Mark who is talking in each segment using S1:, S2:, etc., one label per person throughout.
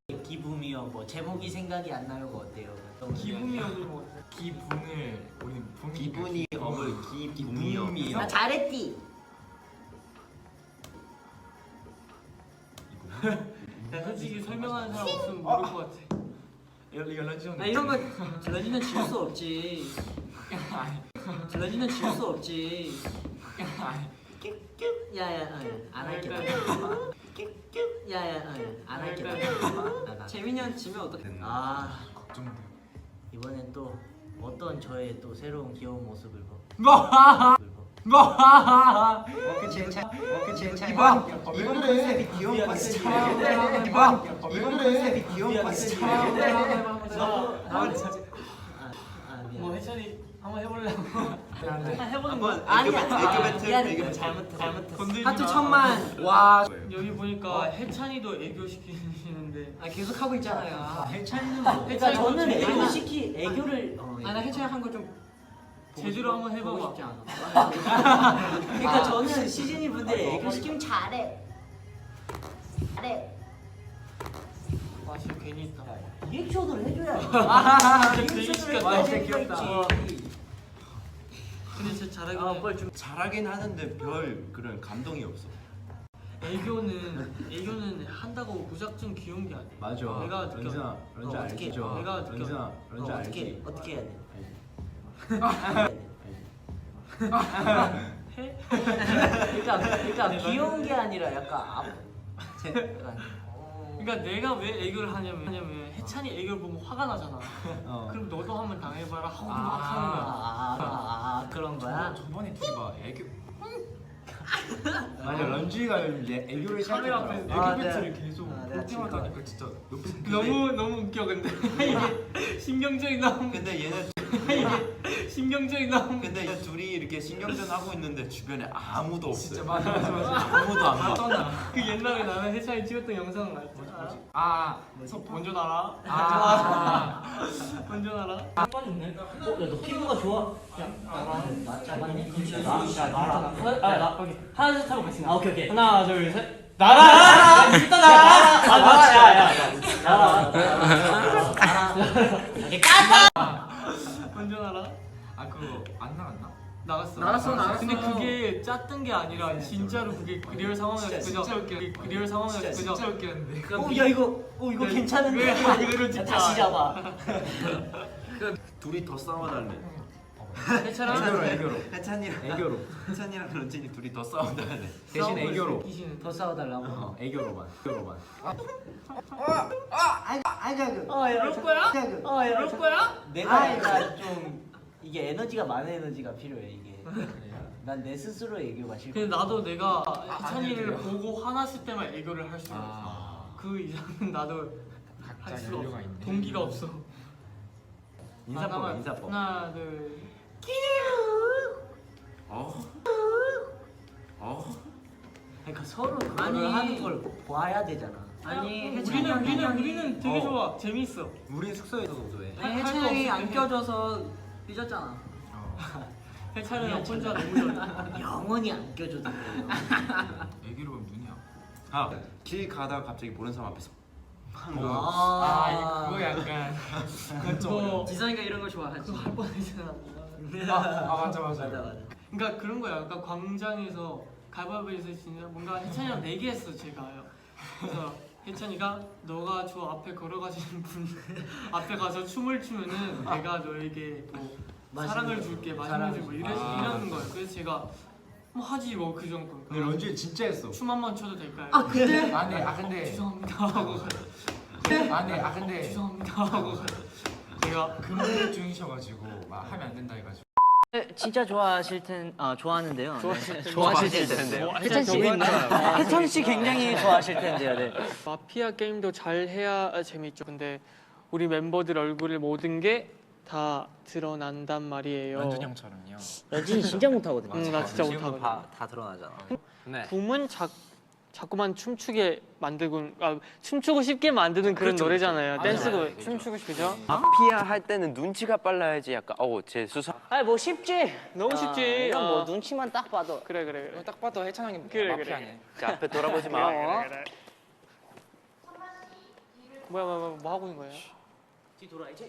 S1: 기분이요. 뭐 제목이 생각이 안 나요. 뭐 어때요?
S2: 기분이요. 뭐 기분을 우리
S3: 기분이 업을 기분이요.
S1: 나 잘했디.
S2: 야, 솔직히 설명하는 사람 없으면 모를 것 같아.
S3: 런쥔 형.
S1: 이런 거 런쥔은 지울 수 없지. 런쥔은 지울 수 없지. 야야 안 할게. 야야 안 할게. 재민이 형 지면 어떡해? 아
S2: 걱정돼.
S1: 이번엔 또 어떤 저의 또 새로운 귀여운 모습을 봐.
S3: 그치 그치
S1: 이번
S3: 컨셉이 귀여운 컨셉이에요. 이번 컨셉이 귀여운 컨셉이에요.
S2: 뭐 해찬이 한번 해보려고.
S1: 해보는 거
S3: 애교 배틀,
S1: 미안해.
S3: 애교 배틀.
S1: 잘못했어.
S2: 건들지
S1: 하트
S2: 마.
S1: 1000만.
S3: 와.
S2: 여기 보니까 해찬이도 애교 시키시는데.
S1: 아 계속 하고 있잖아요.
S3: 해찬이는
S1: 그러니까 저는
S2: 해찬이
S1: 애교
S2: 좀
S1: 시키 애교를
S2: 나 해찬이 한 거 좀 제대로 한번 해봐봐.
S1: 싶지 않아. 그러니까 저는 시즈니 분들이 애교 시키면 잘해.
S2: 와 진짜 괜히 있다.
S1: 리액션을 해줘야지.
S2: 진짜 괜히 시켰다.
S1: 와,
S2: 진짜
S1: 귀엽다.
S2: 근데 진짜 잘하긴 해.
S1: 뭘 좀.
S3: 잘하긴 하는데 별 그런 감동이 없어.
S2: 애교는 한다고 무작정 귀여운 게 아니야.
S3: 맞아.
S2: 내가 느껴.
S3: 런쥔
S1: 어떻게?
S3: 알죠.
S2: 내가 느껴.
S3: 런쥔 알지.
S1: 어떻게 해야 돼?
S2: 해?
S1: 그러니까 귀여운 게 아니라 약간
S2: 그러니까 내가 왜 애교를 하냐면 해찬이 애교를 보면 화가 나잖아. 그럼 너도 한번 당해봐라 하고 막 하는 거야.
S1: 그런 거야?
S4: 저번에 둘이 막 애교
S3: 맞아. 런쥔이가 이제 애교를
S2: 카메라 앞에
S3: 시작했더라고.
S2: 애교
S1: 네.
S2: 배틀을 계속
S1: 내가
S4: 볼 때마다 하니까 진짜 높은
S2: 너무 웃겨 근데 이게 신경전이 나오면
S3: 근데 얘네
S2: 이게 신경전이 나오면
S3: 근데 얘네 둘이 이렇게 신경전 하고 있는데 주변에 아무도 없어.
S4: 진짜 맞아.
S3: 아무도 안 봐.
S4: 떠나.
S2: 그 옛날에 나는 해찬이 찍었던 영상 알지? 먼저 나라. 먼저 나라.
S1: 야너 피부가 좋아. 나 잡았네.
S2: 하나 둘 셋 하고 같이 나.
S1: 오케이.
S2: 하나 둘 셋. 나라. 일단 나라. 먼저 나라.
S4: 아 그거 안 나갔나?
S2: 나갔어. 근데 그게 짰던 게 아니라 진짜로 그게 리얼 상황이었어. 그죠?
S4: 진짜 웃겨.
S2: 리얼 상황이었어. 그죠?
S4: 진짜 웃겼는데.
S1: 이거 괜찮은데.
S2: 그대로 진짜.
S1: 다시 잡아.
S3: 둘이 더 싸워달래.
S2: 해찬아.
S3: 애교로. 해찬이랑 런쥔이 둘이 더 싸워달래. 대신 애교로.
S1: 더 싸워달라고.
S3: 애교로만.
S2: 이럴 거야? 이럴 거야?
S1: 내가 좀 이게 에너지가 많은 에너지가 필요해 이게. 난 내 스스로 애교가 싫고.
S2: 근데 나도 내가 해찬이를 보고 화났을 때만 애교를 할 수가 없어. 그 이상은 나도 할
S4: 각자
S2: 수가 없어.
S4: 연료가 있네.
S2: 동기가 없어.
S3: 인사법.
S2: 하나 둘.
S1: 그러니까 서로
S2: 아니.
S1: 그걸 하는 걸 봐야 되잖아.
S2: 우리는 되게 좋아. 재밌어.
S3: 우리 숙소에서도 해.
S2: 아니, 해찬이 안
S1: 껴줘서 삐졌잖아.
S2: 해찬이랑 혼자 너무 잘해.
S1: 영원히 안 껴줘도 돼.
S4: 애기로 보면 눈이야.
S3: 길 가다가 갑자기 모르는 사람 앞에서
S4: 그거 약간
S2: 그거
S1: 지성이가 이런 걸 좋아하지.
S2: 그거 할 뻔했잖아.
S4: 맞아.
S2: 그러니까 그런 거야. 그러니까 광장에서 가위바위보에서 진짜 뭔가 해찬이랑 내기했어 제가요. 그래서 해찬이가 너가 저 앞에 걸어가시는 분 앞에 가서 춤을 추면은 내가 너에게 뭐 사랑을 줄게, 마시는 줄뭐 이러는 거예요. 그래서 제가 뭐 하지 뭐 그 정도.
S3: 근데 런쥔이 진짜 했어.
S2: 춤 한 번 춰도 될까요?
S1: 근데
S4: 근데
S2: 죄송합니다 하고
S4: 근데
S2: 죄송합니다 하고 제가
S4: 근무 중이셔가지고 막 하면 안 된다 해가지고.
S1: 진짜 좋아하실 좋아하는데요.
S2: 좋아하실 텐데요.
S1: 해찬 씨, 해찬 씨 굉장히 좋아하실 텐데요. 네.
S2: 마피아 게임도 잘 해야 재밌죠. 근데 우리 멤버들 얼굴을 모든 게 다 드러난단 말이에요.
S4: 런쥔 형처럼요.
S1: 런쥔이 진짜 못하거든요.
S2: 나 진짜 못하거든.
S1: 다 드러나잖아.
S2: 붐은 자꾸만 춤추게 만들고 춤추고 싶게 만드는 그런 노래잖아요. 댄스곡 춤추고 싶죠? 그죠?
S5: 마피아 할 때는 눈치가 빨라야지 약간 제 수사
S1: 아니 뭐 쉽지.
S2: 너무 쉽지.
S1: 이건 뭐 눈치만 딱 봐도.
S2: 그래.
S4: 딱 봐도 해찬 형이
S2: 그래.
S4: 마피아네.
S5: 자, 앞에 돌아보지 마.
S2: 뭐 하고 있는 거예요?
S1: 뒤 돌아야지.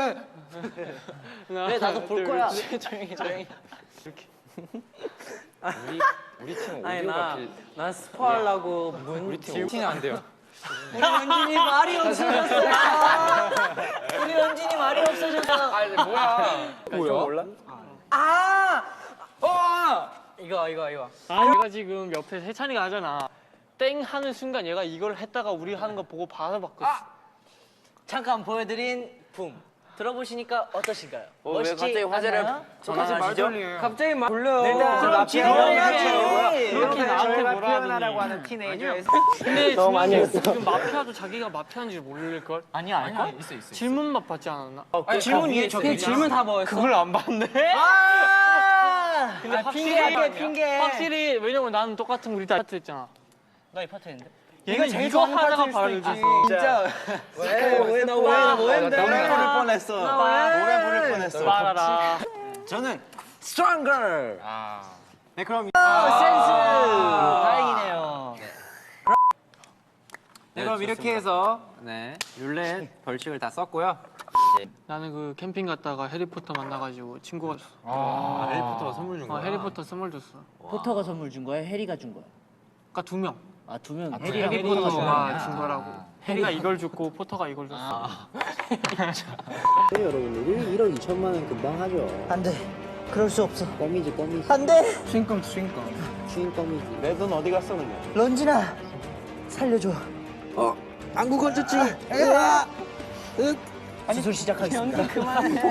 S2: 네,
S1: 나도 볼 거야.
S2: 조용히.
S5: 우리 팀
S1: 아니
S5: 오디오가
S1: 나 스포하려고
S5: 우리 팀 오디오는 안 돼요.
S1: 우리 연진이 말이 없어졌어요. 우리 연진이 말이 없어졌어.
S5: 아니 뭐야? 몰라?
S1: 이거.
S2: 얘가 지금 옆에 해찬이가 하잖아. 땡 하는 순간 얘가 이걸 했다가 우리 하는 거 보고 바로 바꿨어.
S1: 잠깐 보여드린 붐 들어보시니까 어떠신가요?
S5: 왜
S1: 멋있지
S5: 갑자기 화제를
S1: 않나요?
S5: 전환하시죠?
S3: 갑자기 말 돌려.
S1: 그럼 지루해야지.
S2: 이렇게 나한테 뭐라
S3: 표현하라고
S2: 하더니.
S3: 하는 티네이저의
S2: 근데 중요한 게 지금 마피아도 자기가 마피아인지 모를 걸.
S1: 아니야 알걸?
S4: 있어.
S2: 질문만 받지 않았나?
S1: 질문 위에 적혀 질문 다 뭐였어?
S2: 그걸 안 봤네. 근데
S1: 핑계.
S2: 확실히 왜냐면 나는 똑같은 우리 다 파트 했잖아.
S1: 나 이 파트 했는데?
S2: 얘가 이거 하다가 바로 이거.
S1: 진짜 왜나 했는데?
S3: 노래 부를 뻔했어. 노래 부를 뻔했어.
S2: 말아라.
S3: 저는 stronger. 네 그럼
S1: 다행이네요.
S3: 네, 그럼 이렇게 해서 룰렛 벌칙을 다 썼고요.
S2: 나는 그 캠핑 갔다가 해리포터 만나가지고 친구가 줬어.
S3: 해리포터가 선물 준 거야.
S2: 해리포터 선물 줬어.
S1: 포터가 선물 준 거야? 해리가 준 거야?
S2: 그러니까 2명.
S1: 아 2명.
S2: 해리포터가 준 거라고. 해리가 이걸 줬고 포터가 이걸 줬어.
S6: 여러분들이 1억 2천만 원 금방 하죠.
S1: 안 돼. 그럴 수 없어.
S6: 껌이지.
S1: 안 돼.
S6: 추인 껌이지.
S3: 내 돈 어디 갔어 근데?
S1: 런진아 살려줘.
S6: 안구 건졌지?
S1: 수술 시작하겠습니다.
S6: 그만해.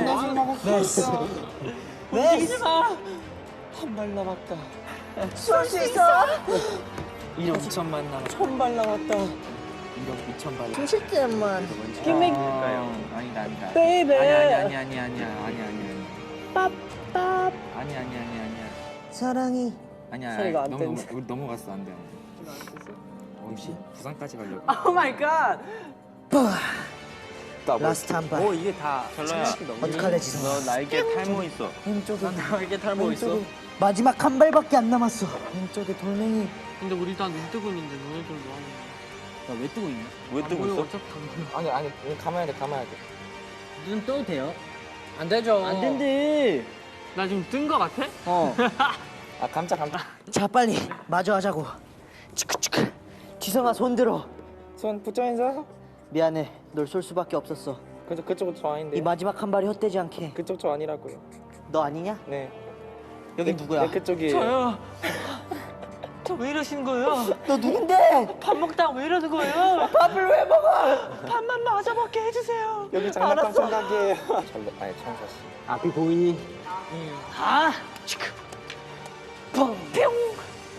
S1: 네. 한발 남았다. 쏠 수 있어.
S6: 1억 2천만 남았.
S1: 1000발 남았다.
S6: 1억 2천만.
S1: 90점만.
S6: 아니다.
S1: 베이베.
S6: 아니야.
S1: 빠빠.
S6: 아니야.
S1: 사랑이.
S6: 아니야.
S1: 소리가 안
S6: 우리 넘어갔어 안 돼. 혹시 부산까지 가려고.
S1: 오 마이 갓. 라스트 한 발.
S3: 이게 다 별로야.
S1: 어떡할래 지성아.
S3: 너 날개 탈모 있어.
S1: 왼쪽에
S3: 날개 탈모 있어.
S1: 왼쪽에 마지막 한 발밖에 안 남았어. 왼쪽에 돌멩이.
S2: 근데 우리 다 눈 뜨고 있는데 너네들 뭐 하는 거야?
S1: 나 왜 뜨고 있냐?
S3: 왜 뜨고 있어?
S2: 어차피 다 보여.
S6: 아니 감아야 돼.
S1: 눈 떠도 돼요?
S6: 안 되죠.
S1: 안 된대.
S2: 나 지금 뜬 거 같아?
S6: 깜짝.
S1: 자 빨리 마주 하자고. 치크치크. 지성아 손 들어.
S6: 손 붙여 인사.
S1: 미안해. 널 쏠 수밖에 없었어.
S6: 그쪽 저 아닌데.
S1: 이 마지막 한 발이 헛되지 않게.
S6: 그쪽 저 아니라고요.
S1: 너 아니냐?
S6: 네.
S1: 여긴 누구야?
S6: 그쪽이.
S2: 저요. 저 왜 이러시는 거예요?
S1: 너 누군데?
S2: 밥 먹다가 왜 이러는 거예요?
S1: 밥을 왜 먹어?
S2: 밥만 맞아 먹게 해주세요.
S6: 여기 장난감 생각이에요. 아니 천사 씨.
S1: 앞이 보이니?
S2: 아, 치크. 뻥, 뿅.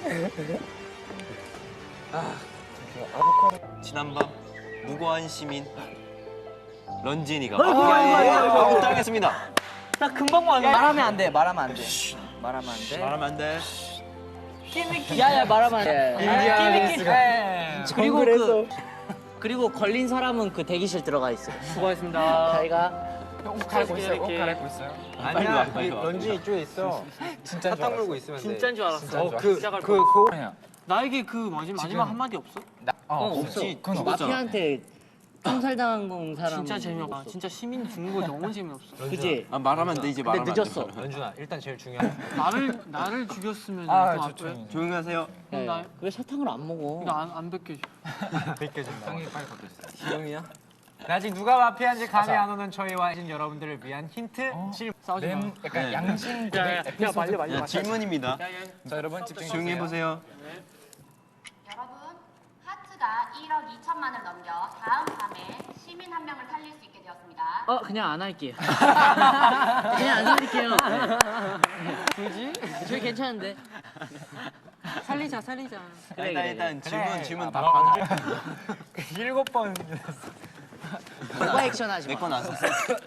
S3: 지난밤 무고한 시민 런진이가
S1: 아이고.
S3: 부탁했습니다.
S2: 나 금방 왔네.
S1: 말하면 안 돼. 말하면 안 돼. 말하면 안 돼.
S3: 말하면 안 돼.
S1: 야야 말하면 안 돼.
S2: 끼리끼리.
S1: 그리고 걸린 사람은 그 대기실 들어가 있어.
S2: 수고하셨습니다.
S1: 자기가
S2: 옷 갈아입고 있어요. 옷 갈아입고
S4: 있어요?
S3: 아니야. 빨리 와.
S6: 런쥔 이쪽에 있어.
S4: 진짜인 줄 알았어. 있으면
S2: 진짜인 줄 알았어.
S4: 그
S2: 시작할
S4: 그
S2: 거.
S4: 그
S2: 나에게 그 마지막 한마디 없어?
S3: 없지.
S4: 그건 없어.
S1: 마피아한테 총살당한 건 사람.
S2: 진짜 재미없다. 진짜 시민 죽는 거 너무 재미없어.
S1: 그지?
S3: 아 말하면 안 돼 이제
S1: 근데
S3: 말하면 안 돼.
S1: 늦었어.
S4: 연준아 일단 제일 중요한.
S2: 나를 죽였으면 좀
S4: 아
S2: 앞에.
S4: 조용히.
S3: 조용히 하세요.
S2: 그럼 나
S1: 왜 사탕을 안 먹어?
S2: 이거 안 벗겨줘.
S4: 벗겨진다. 형이 빨리 벗겨주세요.
S3: 지영이야?
S4: 아직 누가 마피아인지 감이 안 오는 저희와 여러분들을 위한 힌트
S2: 싸우지 마.
S4: 약간 양심 고백
S2: 야
S4: 에피소드.
S3: 자, 질문입니다.
S4: 자 여러분 집중해
S3: 조용히
S4: 보세요.
S3: 해보세요.
S7: 여러분, 하트가 1억 2천만을 넘겨 다음 밤에 시민 한 명을 살릴 수 있게 되었습니다.
S1: 그냥 안 할게요. 그냥 안 살릴게요.
S2: 굳이?
S1: 저희 괜찮은데.
S2: 살리자.
S3: 일단 질문 다
S4: 아,
S3: 받아.
S4: 7번.
S1: 오버 액션 하지 마.
S3: 내거 나왔었어.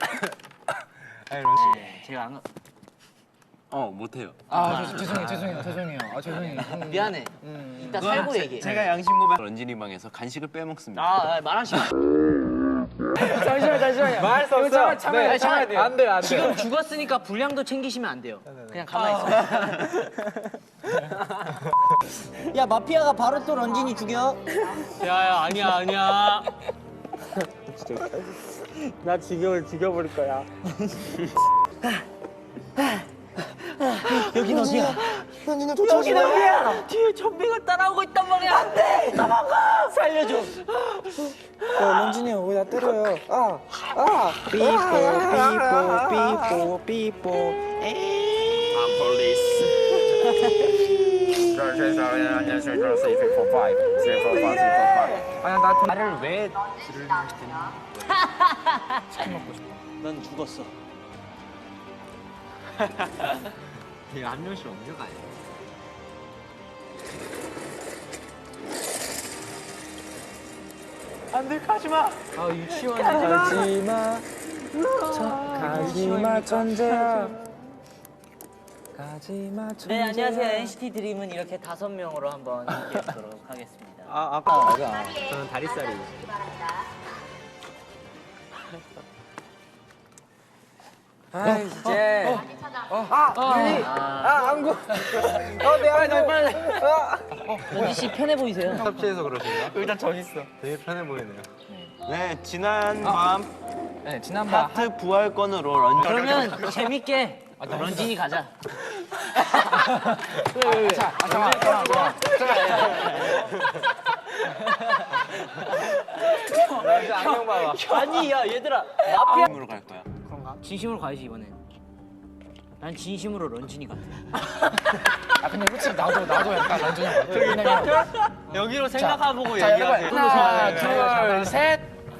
S1: 제가 안.
S3: 못해요.
S4: 죄송해요. 죄송해요.
S1: 미안해. 이따 살고 얘기해.
S3: 제가 양심 고백. 런진이 방에서 간식을 빼먹습니다.
S1: 말하지 마.
S6: 잠시만요. 말할 수 없어.
S4: 참아야 돼요. 안 돼요.
S1: 지금 죽었으니까 분량도 챙기시면 안 돼요. 그냥 가만히 있어. 야 마피아가 바로 또 런진이 죽여.
S2: 야야 아니야.
S4: 나 지금을 죽여버릴 거야.
S1: 여긴 어디야? 여긴 어디야? 뒤에 좀비가 따라오고 있단 말이야. 안 돼! 도망가! 살려줘.
S6: 런쥔이 형 왜 나 때려요? 삐뽀 삐뽀
S4: 아야 나 나를 왜?
S7: 런쥔 씨 나왔고요.
S1: 난 죽었어.
S4: 이거 한 명씩 옮겨가야 돼. 안돼 가지마. 아 유치원이야.
S6: 가지마 천재야. 가지마 천재야.
S1: 네, 안녕하세요. NCT 드림은 이렇게 5명으로 한번 함께하도록 하겠습니다.
S4: 아까
S7: 자리에
S4: 저는 다리살이.
S7: 앉아주시기 바랍니다.
S6: 아 이제.
S7: 다시 찾아.
S6: 안구. 내 안구. 빨리.
S1: 런쥔 씨 편해 보이세요?
S4: 섭취해서 그러신가?
S6: 일단 정 있어.
S4: 되게 편해 보이네요.
S5: 네, 지난 밤
S6: 네 지난번
S5: 하트 부활권으로 런쥔.
S1: 그러면 재밌게 런쥔이 가자.
S6: 잠깐만. 안경 봐봐.
S1: 아니 야 얘들아 마피아
S5: 으로 갈 거야.
S1: 진심으로 가야지 이번엔. 난 진심으로 런쥔이 같아.
S6: 아 근데 솔직히 나도 약간 런쥔이 형 같아. 왜냐면
S1: 여기로 생각해보고
S6: 자 여러분 하나 둘 셋.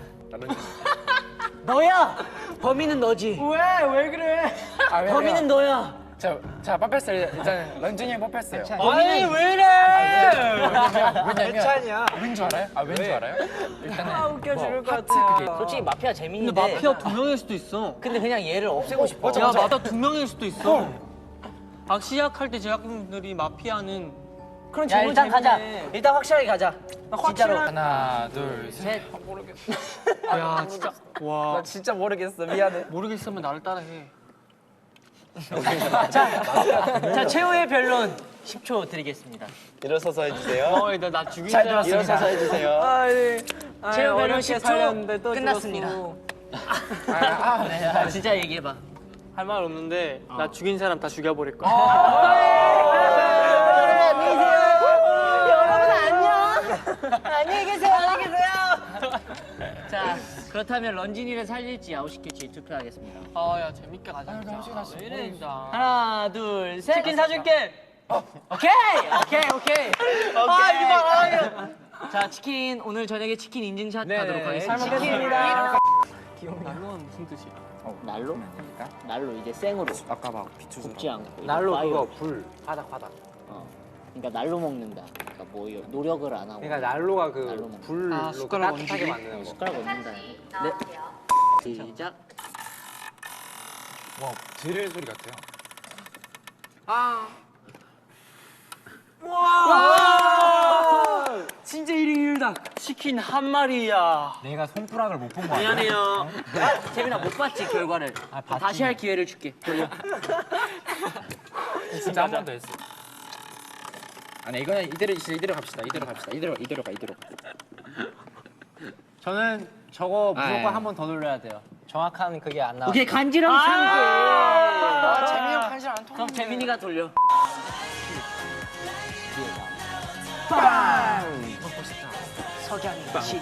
S1: 너야. 범인은 너지.
S6: 왜 그래?
S1: 범인은 너야.
S6: 자 뽑혔어요. 일단 런쥔이 형 뽑혔어요.
S1: 아니 왜 이래?
S6: 왜냐면
S4: 괜찮이야.
S6: 왠 줄 알아요? 왠 줄 알아요? 일단은
S1: 웃겨 죽을 것
S6: 하트
S1: 같아.
S6: 그게
S1: 솔직히 마피아 재밌는데.
S2: 근데 마피아 2명일 수도 있어.
S1: 근데 그냥 얘를 없애고 싶어.
S2: 야 마피아 2명일 수도 있어. 시작할 때 제작진들이 마피아는
S1: 그럼
S2: 야,
S1: 일단 가자.
S2: 재밌네.
S1: 일단 확실하게 가자. 진짜로.
S6: 하나 둘 셋.
S1: 셋.
S2: 야 진짜 와
S6: 진짜 모르겠어. 미안해.
S2: 모르겠으면 나를 따라해.
S1: 자 최후의 변론 10초 드리겠습니다.
S5: 일어서서 해주세요.
S2: 나 죽인
S6: 잘
S2: 줄 알았어.
S5: 일어서서 해주세요.
S1: 최후 변론 10초 끝났습니다.
S6: 네.
S1: 진짜 얘기해봐.
S2: 할 말 없는데 나 죽인 사람 다 죽여버릴 거야.
S1: 안녕히 계세요. 여러분 안녕. 안녕히 계세요. 안녕히 계세요. 자 그렇다면 런쥔이를 살릴지 아웃시킬지 투표하겠습니다.
S2: 아야 재밌게 가자. 진짜. 왜 이래 진짜.
S1: 하나 둘 셋.
S2: 치킨 사줄게.
S1: 오케이. 아 이거 봐. 자 치킨 오늘 저녁에 치킨 인증샷 하도록 하겠습니다.
S6: 잘
S1: 치킨입니다.
S2: 날로는 무슨 뜻이야?
S1: 날로? 날로 이제 생으로
S6: 아까 막 비추서
S1: 굽지 않고
S4: 날로
S1: 파이어.
S4: 그거 불 바닥.
S1: 그러니까 날로 먹는다. 그러니까 뭐 노력을 안 하고.
S4: 그러니까 난로가
S1: 날로
S4: 그
S1: 먹는
S4: 불로
S2: 아, 숟가락
S4: 따뜻하게
S2: 얹기?
S4: 만드는 거.
S1: 숟가락 얹는다.
S7: 씨 나오세요.
S1: 시작.
S6: 와 드릴 소리 같아요.
S2: 진짜 1인 1닭 치킨 한 마리야.
S6: 내가 손가락을 못 본 거 아니야?
S1: 미안해요. 재민아 못 봤지 결과를.
S6: 봤지.
S1: 다시 할 기회를 줄게. 돌려.
S6: 진짜 한 번 더 했어. 아니 이거는 이대로 갑시다. 이대로 가.
S4: 저는 저거
S6: 아,
S4: 무조건
S6: 예.
S4: 한 번 더 돌려야 돼요. 정확한 그게 안 나와.
S1: 오케이 간지럼 참게.
S6: 재민이 형 간질 안 통하네.
S1: 그럼 재민이가 돌려. 석양이 진.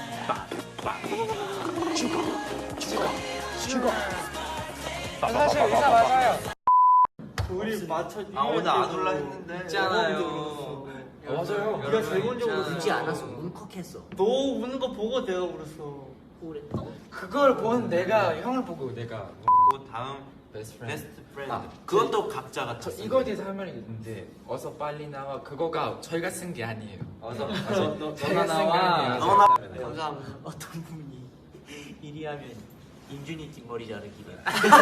S6: 사실 의사 맞아요.
S2: 우리 맞춰.
S3: 오늘 안 올라 했는데.
S2: 있잖아요.
S6: 맞아요.
S2: 네가 제일 먼저
S1: 울지 않았어. 울컥했어.
S2: 너 우는 거 보고 내가 울었어.
S6: 그걸 본 내가 형을 보고 내가
S3: 그 다음
S6: 베스트
S3: 베스트 프렌드.
S6: 아,
S3: 그것도 각자가
S6: 저
S3: 다
S6: 이거에 대해서 할 말이 있는데 어서 빨리 나와 그거가 저희가 쓴 게 아니에요.
S2: 너가
S6: 저희가 쓴 게
S2: 나와.
S6: 아니에요.
S2: 감사합니다.
S1: 어떤 분이 이리 하면 인준이 뒷머리 자르기래.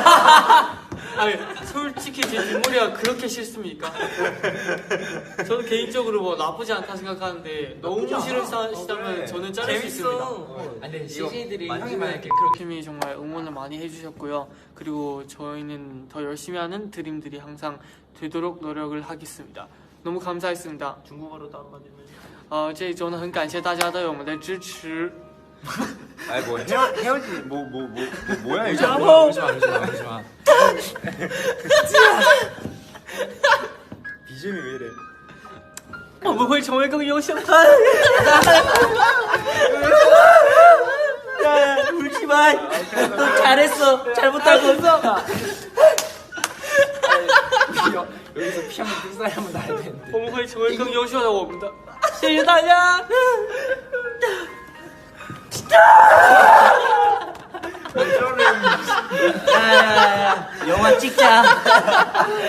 S2: 아니 솔직히 제 뒷머리가 그렇게 싫습니까? 저는 개인적으로 뭐 나쁘지 않다 생각하는데 너무 싫으시다면 저는 자를 수 있습니다.
S6: 근데 CJ들이 형이
S3: 만지면
S6: 만약에
S2: 팀이 정말 응원을 많이 해주셨고요. 그리고 저희는 더 열심히 하는 드림들이 항상 되도록 노력을 하겠습니다. 너무 감사했습니다.
S3: 중국어로 다운받으면
S2: 这一周呢，很感谢大家对我们的支持。
S3: 아니 뭐 헤어지 뭐야 이거.
S6: 울지마.
S3: 비주얼이 왜 이래?
S1: 我们会成为更优秀的。 야, 울지 마. 너 잘했어. 잘못한 거 없어.
S6: 여기서 피 한번 뜬 사람 한번 나야 되는데.
S2: 我们会成为更优秀的我们的。
S1: 谢谢大家。 야, 영화 찍자.